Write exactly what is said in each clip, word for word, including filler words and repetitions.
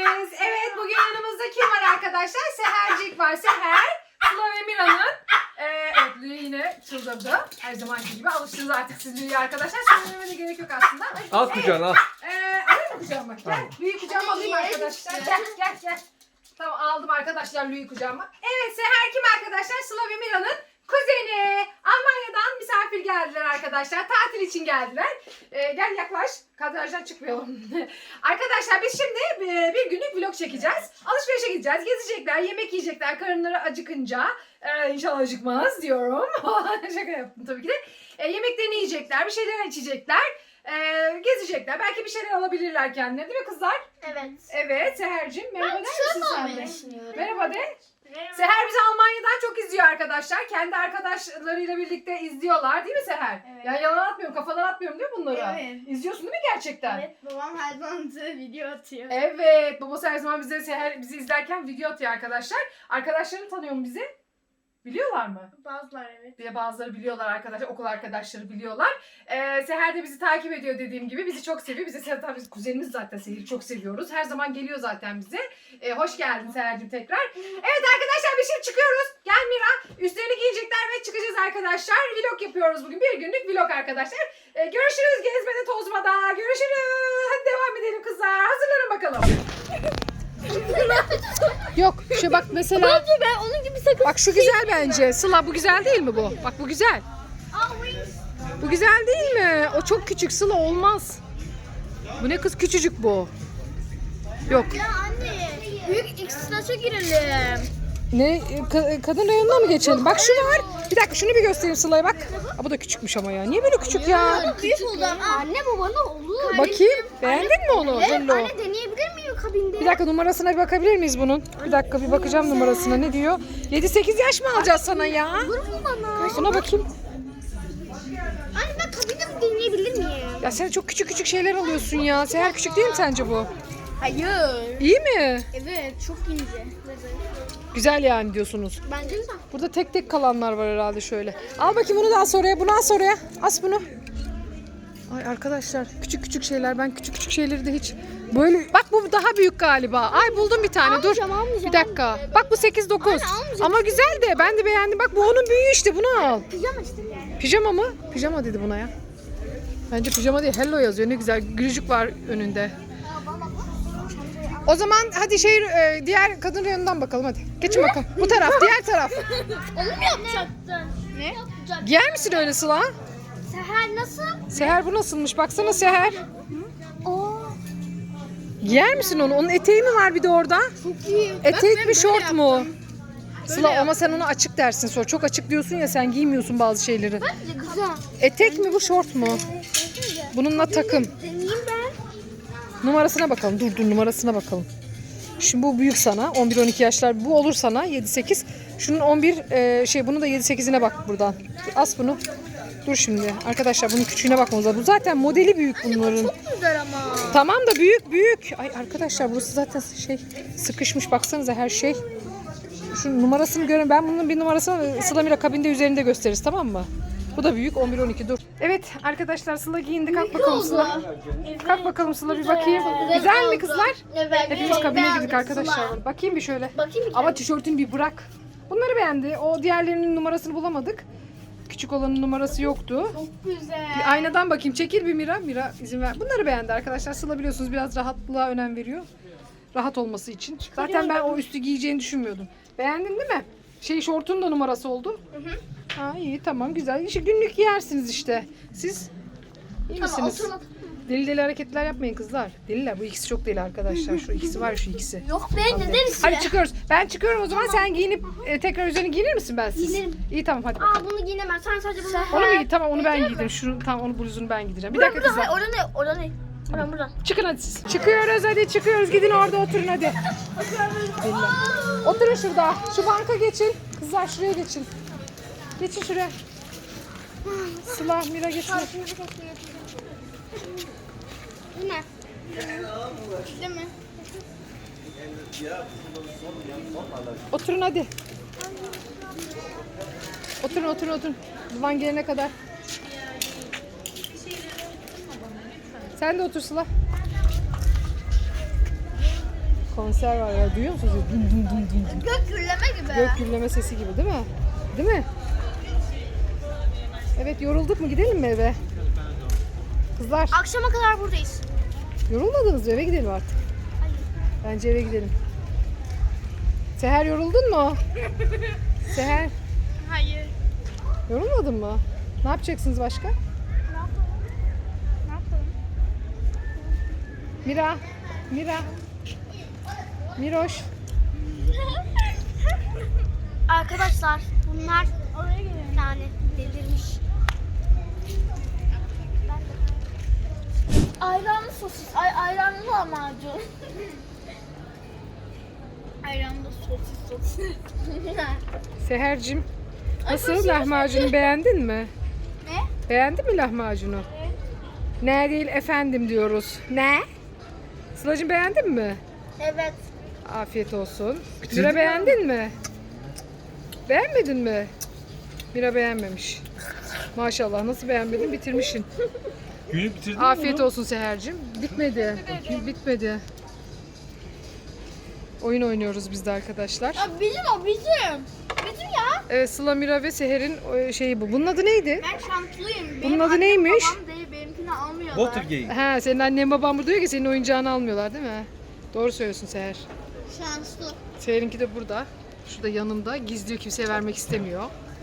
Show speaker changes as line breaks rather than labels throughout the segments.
geldiniz. Evet, bugün yanımızda kim var arkadaşlar? Sehercik var. Seher, Sıla ve Mira'nın. Ee, evet, Lüye yine çıldırdı. Her zamanki gibi alıştınız artık siz Lüye'ye arkadaşlar. Söylememe de gerek yok aslında.
Al kucağına al.
Ee, alayım mı kucağıma? Gel, Lüye'yi kucağıma alayım arkadaşlar. Gel, gel, gel. Tamam, aldım arkadaşlar Lüye'yi kucağıma. Evet, Seher kim arkadaşlar? Sıla ve Mira'nın kuzeni. Almanya'dan misafir geldiler arkadaşlar. Tatil için geldiler. Ee, gel yaklaş. Kadrajdan çıkmayalım. Arkadaşlar biz şimdi e, bir günlük vlog çekeceğiz. Alışverişe gideceğiz. Gezecekler, yemek yiyecekler. Karınları acıkınca. Ee, inşallah acıkmaz diyorum. Şaka yaptım tabii ki de. E, yemeklerini yiyecekler. Bir şeyler içecekler. E, gezecekler. Belki bir şeyler alabilirler kendilerine değil mi kızlar?
Evet.
Evet Seher'cim. Merhaba der misin sen de?
düşünüyorum.
Merhaba de. Seher bizi Almanya'dan çok izliyor arkadaşlar. Kendi arkadaşlarıyla birlikte izliyorlar değil mi Seher?
Evet.
Yani yalan atmıyorum, kafadan atmıyorum değil mi bunları?
Evet.
İzliyorsun değil mi gerçekten?
Evet, babam her zaman bize video atıyor.
Evet, babası her zaman bize Seher bizi izlerken video atıyor arkadaşlar. Arkadaşlarını tanıyor mu bizi? Biliyorlar mı?
Bazılar evet.
Bir de bazıları biliyorlar arkadaşlar, okul arkadaşları biliyorlar. Ee, Seher de bizi takip ediyor dediğim gibi. Bizi çok seviyor. Bizi Seher tabii biz kuzenimiz zaten Seher'i çok seviyoruz. Her zaman geliyor zaten bize. Ee, hoş geldin Seher'cim tekrar. Evet arkadaşlar biz şimdi çıkıyoruz. Gel Mira. Üstlerini giyecekler ve çıkacağız arkadaşlar. Vlog yapıyoruz bugün. Bir günlük vlog arkadaşlar. Ee, görüşürüz gezmede tozmada. Görüşürüz. Hadi devam edelim kızlar. Hazırlanın bakalım. Yok şu bak mesela.
Bence ben onun gibi sakın.
Bak şu güzel bence. Sıla bu güzel değil mi bu? Bak bu güzel. Bu güzel değil mi? O çok küçük Sıla olmaz. Bu ne kız küçücük bu. Yok.
Ya anne, büyük X-Snatch'a girelim.
Ne ka- kadın reyonuna mı geçelim? Bak şu var. Bir dakika şunu bir göstereyim Sıla'ya bak. Aa, bu da küçükmüş ama ya. Niye böyle küçük ya?
Büyük oldu ama. Anne babana olur.
Bakayım. Beğendin mi onu?
Evet,
Hello.
anne deneyebilir miyim kabinde?
Bir dakika numarasına bir bakabilir miyiz bunun? Bir dakika bir bakacağım numarasına. Ne diyor? yedi sekiz yaş mı alacağız sana ya?
Olur mu bana?
Buna bakayım.
Anne ben kabinde mi deneyebilir miyim?
Ya sen çok küçük küçük şeyler alıyorsun ya. Seher küçük değil mi sence bu?
Hayır.
İyi mi?
Evet, çok ince.
Güzel yani diyorsunuz.
Bence güzel.
Burada tek tek kalanlar var herhalde şöyle. Al bakayım bunu da as oraya, bunu as oraya. As bunu. Ay arkadaşlar küçük küçük şeyler. Ben küçük küçük şeyleri de hiç böyle... Bak bu daha büyük galiba. Ay buldum bir tane. Dur.
Almayacağım, almayacağım,
Bir dakika.
almayacağım.
Bak bu sekiz dokuz.
Anne, almayacağım.
Ama güzel de ben de beğendim. Bak bu onun büyüğü işte. Bunu al.
Pijama işte yani.
Pijama mı? Pijama dedi buna ya. Bence pijama değil. Hello yazıyor. Ne güzel. Gülücük var önünde. O zaman hadi şey e, diğer kadın reyonundan bakalım hadi. Geçin bakalım. Bu taraf, diğer taraf.
Onu mu yapacaktın? Ne? Yapacaktın.
Giyer misin öyle Sıla?
Seher nasıl?
Seher bu nasılmış? Baksana Seher.
Oo,
Giyer misin onu? Onun eteği mi var bir de orada?
çok iyi.
Etek mi şort mu? Sıla
Böyle
ama sen ona açık dersin sonra. Çok açık diyorsun ya sen giymiyorsun bazı şeyleri.
Güzel.
Etek mi bu şort mu? Bununla takım.
Deneyeyim ben.
Numarasına bakalım. Dur dur numarasına bakalım. Şimdi bu büyük sana. on bir on iki yaşlar. Bu olur sana yedi sekiz. Şunun on bir e, şey bunu da yedi sekizine bak buradan. As bunu. Dur şimdi. Arkadaşlar bunun küçüğüne bakmamız lazım. Bu zaten modeli büyük bunların.
Çok güzel ama.
Tamam da büyük büyük. Ay arkadaşlar burası zaten şey sıkışmış. Baksanıza her şey. Şu numarasını görün. Ben bunun bir numarasını Sıla Mira kabinde üzerinde gösteririz tamam mı? Bu da büyük on bir on iki dur. Evet arkadaşlar Sıla giyindi. Kalk bakalım Sıla. Kalk bakalım Sıla bir bakayım. Güzel mi kızlar?
Evet.
Hepimiz kabine girdik arkadaşlar. Bakayım bir şöyle.
Bakayım bir
Ama tişörtünü bir bırak. Bunları beğendi. O diğerlerinin numarasını bulamadık. Küçük olanın numarası yoktu.
Çok güzel.
Bir aynadan bakayım. Çekil bir Mira. Mira izin ver. Bunları beğendi arkadaşlar. Sıla biliyorsunuz biraz rahatlığa önem veriyor. Rahat olması için. Zaten ben o üstü giyeceğini düşünmüyordum. Beğendin değil mi? Şey şortun da numarası oldu. Hı hı. Ha iyi tamam güzel. İşte günlük giyersiniz işte. Siz iyi misiniz?
Oturma.
Deli deli hareketler yapmayın kızlar. Deliler bu ikisi çok deli arkadaşlar. Şu ikisi var ya şu ikisi.
Yok be ne deriz
Hadi çıkıyoruz. Ben çıkıyorum o zaman sen giyinip e, tekrar üzerine giyinir misin ben siz?
Giyinirim.
İyi tamam hadi bakalım.
Aa bunu giyinemem. Sen sadece bunu.
Onu mu giy? Tamam onu ben giydim. Şunu tamam onu bluzunu ben giydireceğim. Bir dakika kızlar.
Orada ne? Orada ne? Buradan buradan.
Çıkın hadi siz. Çıkıyoruz hadi çıkıyoruz. Gidin orada oturun hadi. Oturun şurada. Şu banka geçin. Kızlar şuraya geçin. Geçin şuraya. Sıla, Mira geçin.
Bu ne? Değil mi?
Oturun hadi. Oturun oturun oturun. Duvan gelene kadar. Sen de otur Sıla. Konser var ya, duyuyor musunuz? Dum dum dum dum dum.
Gök gürleme gibi.
Gök gürleme sesi gibi değil mi? Değil mi? Evet, yorulduk mu? Gidelim mi eve? Kızlar,
Akşama kadar buradayız.
yorulmadınız mı? Eve gidelim artık. Bence eve gidelim. Seher, yoruldun mu? Seher,
Hayır.
yorulmadın mı? Ne yapacaksınız başka?
Ne yapalım? Ne yapalım?
Mira, Mira, Miroş.
Arkadaşlar bunlar yani delirmiş. Ayranlı sosis, ay ayranlı lahmacun. Ayranlı sosis sosis.
Seher'cim,
Ay,
nasıl,
boş ver,
lahmacunu beğendin mi?
Ne?
Beğendin mi lahmacunu?
Evet.
Ne değil efendim diyoruz. Ne? Sıla'cığım, beğendin mi?
Evet.
Afiyet olsun.
Bitirdin
Mira,
mi?
beğendin mi? Beğenmedin mi? Mira beğenmemiş. Maşallah, nasıl beğenmedin? Bitirmişsin.
Günü bitirdin mi
Afiyet
bunu?
olsun Seher'cim. Bitmedi. Bitmedi. Oyun oynuyoruz biz de arkadaşlar.
Ya bizim o bizim. Bizim ya.
Evet, Sıla, Mira ve Seher'in e, şeyi bu. Bunun adı neydi?
Ben şanslıyım.
Bunun
Benim
adı
annem
neymiş?
Babam değil, benimkini almıyorlar.
Watergate.
Ha, senin annen baban burada diyor ki senin oyuncağını almıyorlar değil mi? Doğru söylüyorsun Seher.
Şanslı.
Seher'inki de burada. Şurada yanımda. Gizliyor, kimseye vermek istemiyor.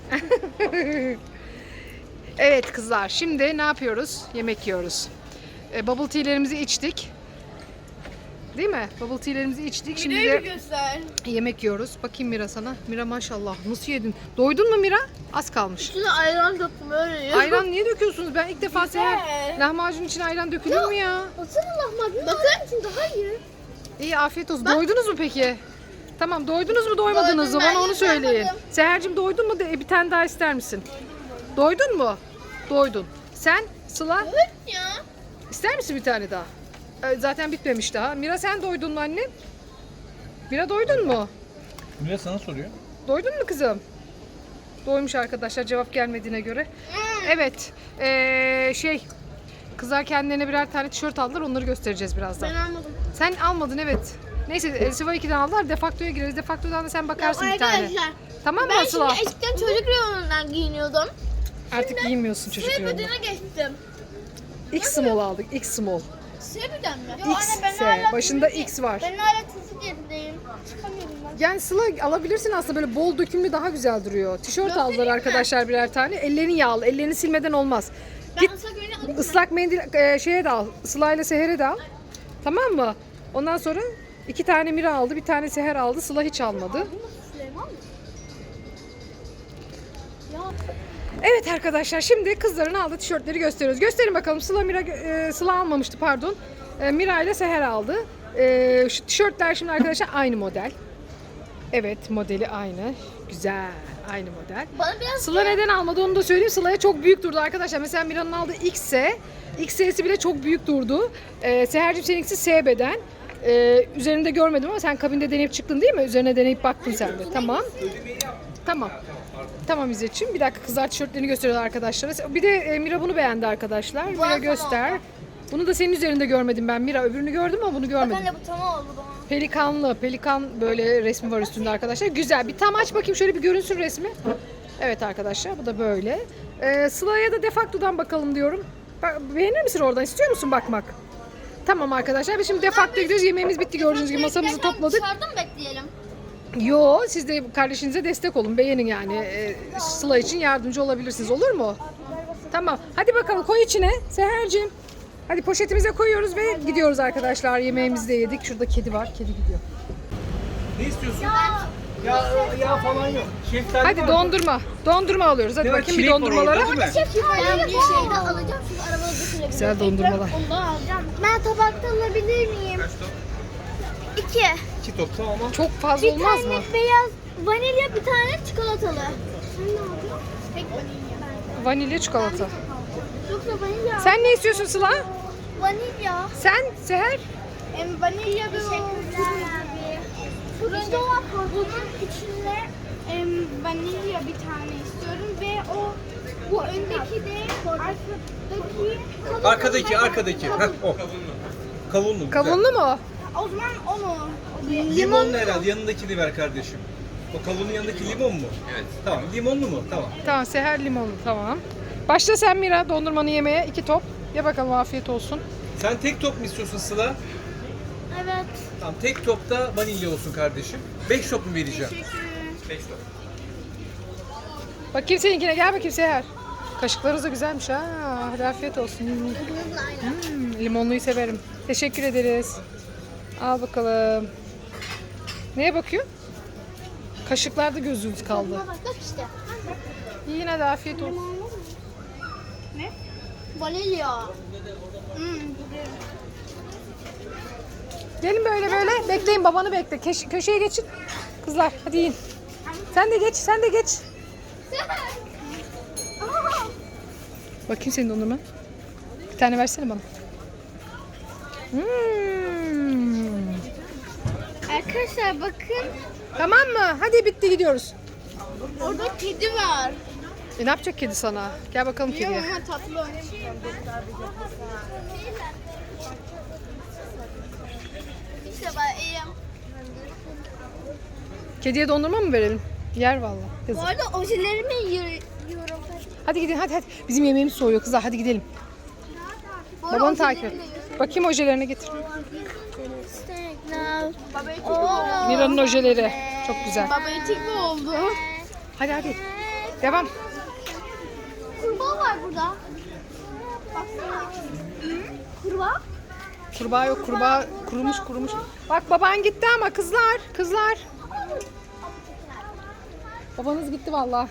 Evet kızlar, şimdi ne yapıyoruz? Yemek yiyoruz. E, bubble tea'lerimizi içtik. Değil mi? Bubble tea'lerimizi içtik. Şimdi de
göster.
yemek yiyoruz. Bakayım Mira sana. Mira maşallah nasıl yedin? Doydun mu Mira? Az kalmış.
Üstüne ayran döktüm öyle yiyor.
Ayran niye döküyorsunuz? Ben ilk defa
Güzel.
Seher lahmacun için ayran dökülür mü ya?
Baksana lahmacun. Bakın. için daha iyi.
İyi, afiyet olsun. Doydunuz mu peki? Tamam, doydunuz mu doymadınız mı?
Doydum, ben
Bana onu
hiç
söyleyin.
doymadım.
Seher'cim, doydun mu? De, bir tane daha ister misin? Doydun mu? Doydun. Sen Sıla
Evet ya.
ister misin bir tane daha? Ee, zaten bitmemiş daha. Mira, sen doydun mu annem? Mira, doydun mu?
Mira sana soruyor.
Doydun mu kızım? Doymuş arkadaşlar, cevap gelmediğine göre. Evet. ee, şey kızlar kendilerine birer tane tişört aldılar. Onları göstereceğiz birazdan.
Ben almadım.
Sen almadın, evet. Neyse, e, Siva ikiden aldılar. Defaktoya gireriz. Defaktodan da sen bakarsın bir tane.
Arkadaşlar
Tamam mı
ben
Sıla?
şimdi eskiden çocuk reyonundan giyiniyordum.
Artık giyinmiyorsun çocuk
S
reyonunu.
bedene geçtim.
X small aldık. X small.
S beden mi?
X S. Başında X var.
Ben hala çocuk yerindeyim. Çıkamıyorum ben.
Yani Sıla, alabilirsin aslında, böyle bol dökümlü daha güzel duruyor. Tişört
Göstereyim
aldılar
mi?
arkadaşlar birer tane. Ellerini yağlı. Ellerini silmeden olmaz.
Ben
Git
ıslak öyle alayım.
ıslak mendil e, şeye de al. Sıla ile Seher'e de al. Tamam mı? Ondan sonra iki tane Mira aldı. Bir tane Seher aldı. Sıla hiç almadı.
Süleyman mı? Ya.
Evet arkadaşlar, şimdi kızların aldığı tişörtleri gösteriyoruz. Gösterin bakalım. Sıla Mira e, Sıla almamıştı, pardon. E, Mira ile Seher aldı. E, şu tişörtler şimdi arkadaşlar aynı model. Evet, modeli aynı. Güzel. Aynı model.
Bana biraz
Sıla neden almadı onu da söyleyeyim. Sıla'ya çok büyük durdu arkadaşlar. Mesela Mira'nın aldığı X S. X S'si bile çok büyük durdu. Ee, Seher'cim, seninkisi S beden. Ee, üzerinde görmedim ama sen kabinde deneyip çıktın değil mi? Üzerine deneyip baktın sen de. Tamam. Tamam. Tamam İzzet'ciğim. Bir dakika, kızlar tişörtlerini gösteriyorlar arkadaşlara. Bir de e, Mira bunu beğendi arkadaşlar. Mira
tamam.
göster. Bunu da senin üzerinde görmedim ben Mira. Öbürünü gördüm ama bunu görmedim.
ben de bu tamam oldu bana.
Pelikanlı, pelikan böyle resmi var üstünde arkadaşlar. Güzel. Bir tam aç bakayım, şöyle bir görünsün resmi. Evet arkadaşlar, bu da böyle. Ee, Sıla'ya da defaktodan bakalım diyorum. Bak, beğenir misin oradan? İstiyor musun bakmak? Tamam arkadaşlar, biz şimdi defaktoya gidiyoruz. Yemeğimiz bitti, gördüğünüz gibi masamızı
Beklerken
topladık.
Dışarıda mı bekleyelim?
Yo, siz de kardeşinize destek olun. Beğenin yani. Ee, Sıla için yardımcı olabilirsiniz. Olur mu? Tamam. Hadi bakalım, koy içine Seher'cim. Hadi poşetimize koyuyoruz ve gidiyoruz arkadaşlar. Yemeğimizi de yedik. Şurada kedi var. Kedi gidiyor.
Ne istiyorsun? Ya ya falan yok. Şeftali
Hadi
var.
dondurma. Dondurma alıyoruz. Hadi
Ne var,
bakayım bir
çilek var
dondurmalara.
orada, değil mi?
Ben bir şey de alacağım çünkü arabada götürebilirim.
Güzel dondurmalar.
Ondan alacağım. Ben tabakta alabilir miyim? İki.
İki top tamam ama.
Çok fazla
Bir
olmaz
tane
mı?
beyaz vanilya, bir tane çikolatalı. Sen ne alacaksın? Tek vanilya.
Vanilya çikolata.
Yoksa vanilya.
Sen ne istiyorsun Sıla?
Vanilya.
Sen Seher?
Em, vanilya ve o turuncu var. Bunun içinde em, vanilya bir tane istiyorum ve o bu öndeki de arkadaki
Arkadaki arkadaki. Heh, o. Kavunlu. güzel.
Kavunlu mu?
O zaman onu.
Limonlu herhalde. Yanındakini ver kardeşim. O kavunun yanındaki limon mu? Evet. Tamam. Limonlu mu? Tamam.
Tamam Seher limonlu tamam. Başla sen Mira dondurmanı yemeye iki top. Ye bakalım afiyet olsun.
Sen tek top mu istiyorsun Sıla?
Evet.
Tamam. Tek topta vanilya olsun kardeşim. Beş top mu vereceğim? Beş top.
Bakayım seninkine gel bakayım Seher. Kaşıklarınız da güzelmiş ha. Hadi afiyet olsun. Hmm, limonluyu severim. Teşekkür ederiz. Al bakalım. Neye bakıyor? Kaşıklarda gözünüz kaldı.
Bak bak işte.
Yine de afiyet olsun.
Ne? Vanilya. Hmm.
Gelin böyle böyle. Bekleyin babanı bekle. Keş- köşeye geçin. Kızlar hadi yiyin. Sen de geç, sen de geç. Bakayım senin dondurman. Bir tane versene bana. Hmm.
Arkadaşlar bakın.
Tamam mı? Hadi bitti gidiyoruz.
Orada kedi var.
E, ne yapacak kedi sana? Gel bakalım kediye.
Ama tatlı oynamış. İşte ben iyiyim.
Kediye dondurma mı verelim? Yer vallahi.
Bu
Yazık.
arada ojelerimi yiyorum.
Hadi gidin hadi hadi. Bizim yemeğimiz soğuyor kızlar. Hadi gidelim. Babanı takip et. Bakayım ojelerine getir. Mira'nın ojeleri. Çok güzel.
Baba etik mi oldu?
Hadi hadi. Devam.
Kurbağa var burada. Baksana. Kurbağa?
Kurbağa yok. Kurbağa kurumuş kurumuş. Bak baban gitti ama kızlar. Kızlar. Babanız gitti vallahi.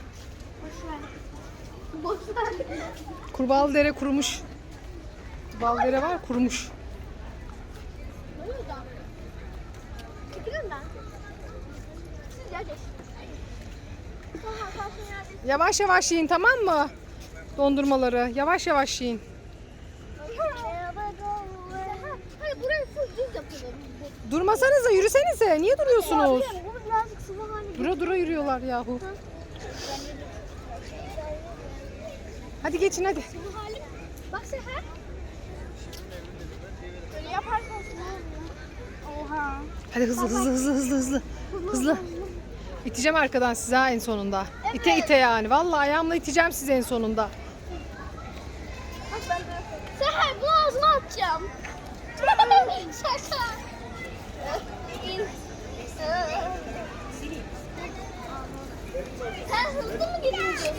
Boş ver.
Kurbağalı dere kurumuş. Kurbağalı dere var kurumuş.
Çekilin ben. Siz gel geç.
Yavaş yavaş yiyin tamam mı? Dondurmaları. Yavaş yavaş yiyin.
Hayır burayı full düz yapalım.
Durmasanıza yürüsenize. Niye duruyorsunuz?
Bunu birazcık sıvı haline
Dura dura yürüyorlar yahu. Hadi geçin hadi.
Bu halim. Bak Seher. Böyle yaparsan oha.
Hadi hızlı hızlı hızlı hızlı hızlı. Hızlı. İteceğim arkadan size ha en sonunda. İte ite yani. Vallahi ayağımla iteceğim sizi en sonunda.
Bak ben de. Seher bunu ağzına atacağım. Şaka. İn. Sen hızlı mı gidiyorsun?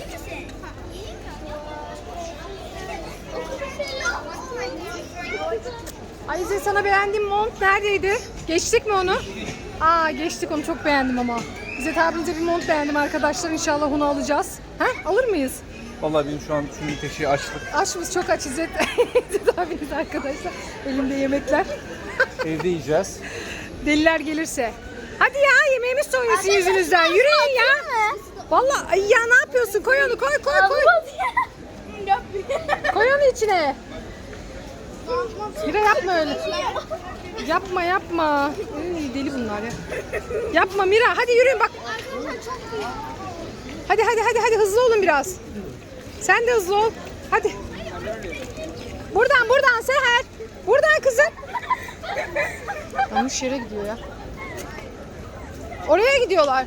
Ayşe sana beğendiğim mont neredeydi? Geçtik mi onu? Aa geçtik onu çok beğendim ama. İzzet abimize bir mont beğendim arkadaşlar. İnşallah onu alacağız. Ha? Alır mıyız?
Vallahi benim şu an şu teşeği açlık.
Açmış çok aç İzzet. İzzet abimiz arkadaşlar. Elimde yemekler.
Evde yiyeceğiz.
Deliler gelirse. Hadi ya yemeğimiz soğuyor sizin yüzünüzden. Yürüyün ya. Vallahi ay ya ne yapıyorsun? Koy onu koy koy koy. Koy onu içine. Mira yapma öyle. Yapma yapma. Ay, deli bunlar ya. Yapma Mira. Hadi yürüyün bak. Hadi hadi hadi hadi hızlı olun biraz. Sen de hızlı ol. Hadi. Buradan buradan Seher. Buradan kızım. Yanlış yere gidiyor ya. Oraya gidiyorlar.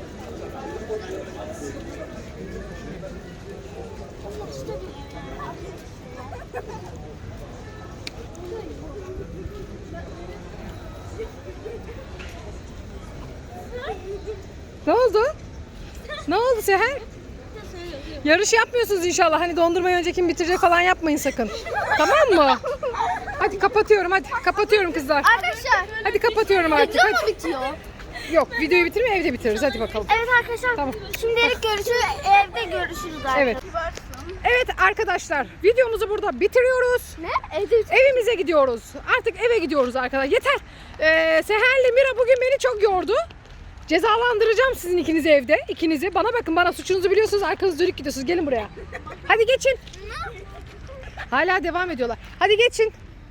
Ne oldu? Ne oldu Seher? Yarış yapmıyorsunuz inşallah. Hani dondurmayı önce kim bitirecek falan yapmayın sakın. Tamam mı? Hadi kapatıyorum hadi. Kapatıyorum kızlar.
Arkadaşlar.
Hadi kapatıyorum artık.
Video mu
Hadi.
bitiyor?
Yok videoyu bitirme evde bitiririz. Hadi bakalım.
Evet arkadaşlar.
Tamam.
Şimdilik görüşürüz. Evde görüşürüz arkadaşlar.
Evet. Evet arkadaşlar videomuzu burada bitiriyoruz.
Ne? Evde
Evimize gidiyoruz. Artık eve gidiyoruz arkadaşlar. Yeter. Ee, Seher'le Mira bugün beni çok yordu. Cezalandıracağım sizin ikinizi evde. İkinizi. Bana bakın bana suçunuzu biliyorsunuz. Arkanız dönük gidiyorsunuz. Gelin buraya. Hadi geçin. Hala devam ediyorlar. Hadi geçin.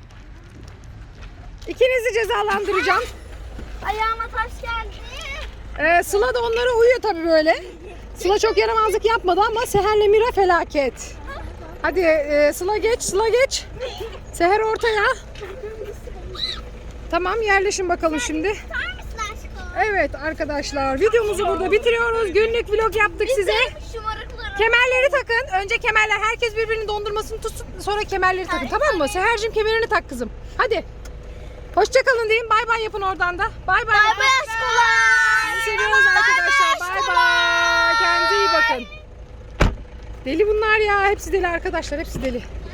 İkinizi cezalandıracağım.
ayağıma taş geldi.
Ee, Sıla da onlara uyuyor tabii böyle. Sıla çok yaramazlık yapmadı ama Seher'le Mira felaket. Hadi e, Sıla geç, Sıla geç. Seher ortaya. Tamam, yerleşin bakalım şimdi.
Tutar mısın aşkım?
Evet arkadaşlar, videomuzu burada bitiriyoruz. Günlük vlog yaptık size.
Şımarıkları.
Kemerleri takın. Önce kemerler. Herkes birbirinin dondurmasını tutsun. Sonra kemerleri takın. Tamam mı? Seher'cim kemerini tak kızım. Hadi. Hoşçakalın diyeyim. Bay bay yapın oradan da. Bay bay.
Bay bay aşkolar.
Sizi seviyoruz arkadaşlar. Bay bay. Kendinize iyi bakın. Deli bunlar ya. Hepsi deli arkadaşlar. Hepsi deli.